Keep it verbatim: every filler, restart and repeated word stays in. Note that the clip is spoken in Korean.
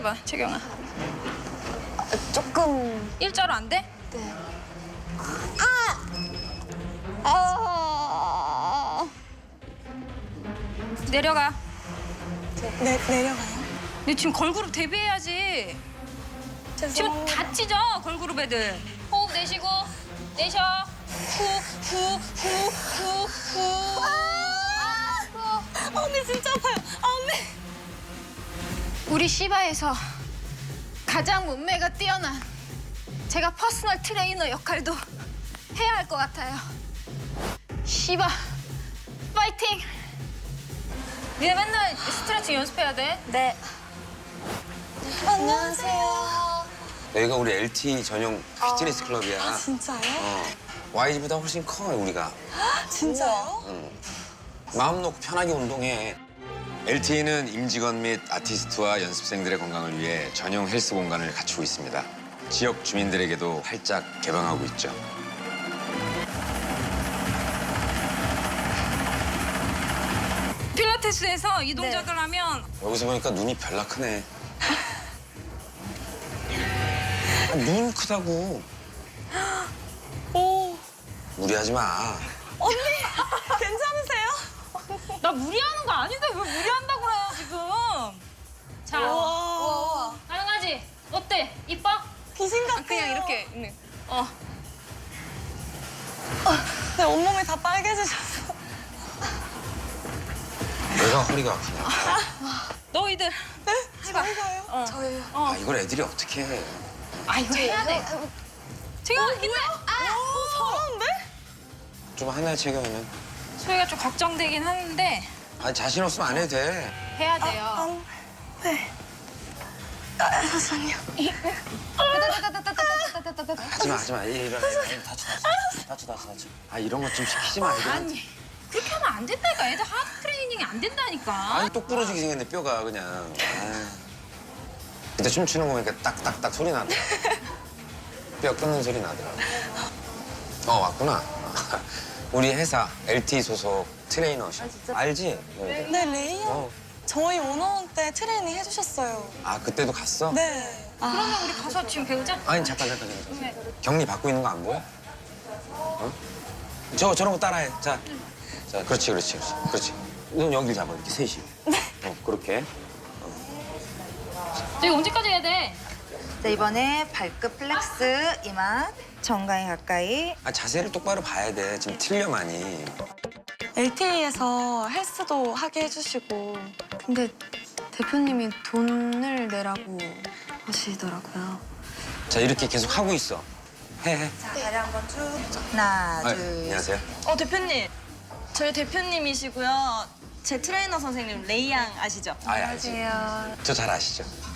봐, 채경아. 조금. 일자로 안 돼? 네. 아! 아! 내려가. 네, 내려가요? 너 지금 걸그룹 데뷔해야지. 지금 죄송합니다. 다 찢어, 걸그룹 애들. 호흡 내쉬고, 내쉬어. 후, 후, 후, 후, 후. 아! 언니 진짜 아파요. 아, 언니. 우리 시바에서 가장 몸매가 뛰어난 제가 퍼스널 트레이너 역할도 해야 할 것 같아요. 시바, 파이팅! 니네 맨날 스트레칭 연습해야 돼. 네. 안녕하세요. 여기가 우리 엘티이 전용 피트니스 클럽이야. 아, 진짜요? 어. 와이지보다 훨씬 커, 우리가. 진짜요? 응. 마음 놓고 편하게 운동해. 엘티이는 임직원 및 아티스트와 연습생들의 건강을 위해 전용 헬스 공간을 갖추고 있습니다. 지역 주민들에게도 활짝 개방하고 있죠. 필라테스에서 이 동작을 네. 하면 여기서 보니까 눈이 별나 크네. 아, 눈 크다고. 오. 무리하지 마. 언니, 괜찮으세요? 나 무리하는 거 아닌데 왜 무리한다고 그래 지금. 자, 우와. 가능하지? 어때? 이뻐? 귀신 같아요. 그냥 이렇게. 응. 어. 네, 온몸이 다 빨개지셨어. 내가 허리가 아프냐. 너희들. 네? 해봐. 저희가요? 어. 저희요. 아, 이걸 애들이 어떻게 해. 아 이거 해야 돼. 지금 힘내. 아, 오, 잘하는데? 좀 하나 체경이면. 소희가 좀 걱정되긴 하는데 아니, 자신 없으면 안 해도 돼. 해야 돼요. 안, 네. 아, 잠시만요. 하지 마, 하지 마. 이- 일어나, 일어나. 다쳐, 다쳐. 다쳐, 다쳐, 다쳐. 아, 이런 거 좀 시키지 마, 애들한테. 아니 그렇게 하면 안 된다니까. 애들 하드 트레이닝이 안 된다니까. 아니, 똑 부러지게 생겼네, 뼈가 그냥. 아유. 그때 춤추는 거 보니까 딱딱딱 소리 나더라. 뼈 끊는 소리 나더라. 어, 왔구나. 우리 회사 엘티이 소속 트레이너셔. 알지? 너희들? 네, 레이야. 어. 저희 원어원 때 트레이닝 해주셨어요. 아, 그때도 갔어? 네. 그러면 우리 가서 지금 배우자. 아니, 잠깐, 잠깐, 잠깐. 네. 격리 받고 있는 거 안 보여? 어? 저, 저런 거 따라해. 자. 자, 그렇지, 그렇지, 그렇지. 그렇지. 눈 여기 잡아, 이렇게 셋이. 어, 그렇게. 저희 언제까지 해야 돼? 자, 이번에 발끝 플렉스, 이마, 정강이 가까이. 아, 자세를 똑바로 봐야 돼. 지금 틀려, 많이. 엘티이에서 헬스도 하게 해주시고. 근데 대표님이 돈을 내라고 하시더라고요. 자, 이렇게 계속 하고 있어. 해, 해. 자, 다리 한번 쭉. 하나, 아, 둘, 안녕하세요. 어, 대표님. 저희 대표님이시고요. 제 트레이너 선생님 레이양 아시죠? 아, 알지. 저 잘 아시죠?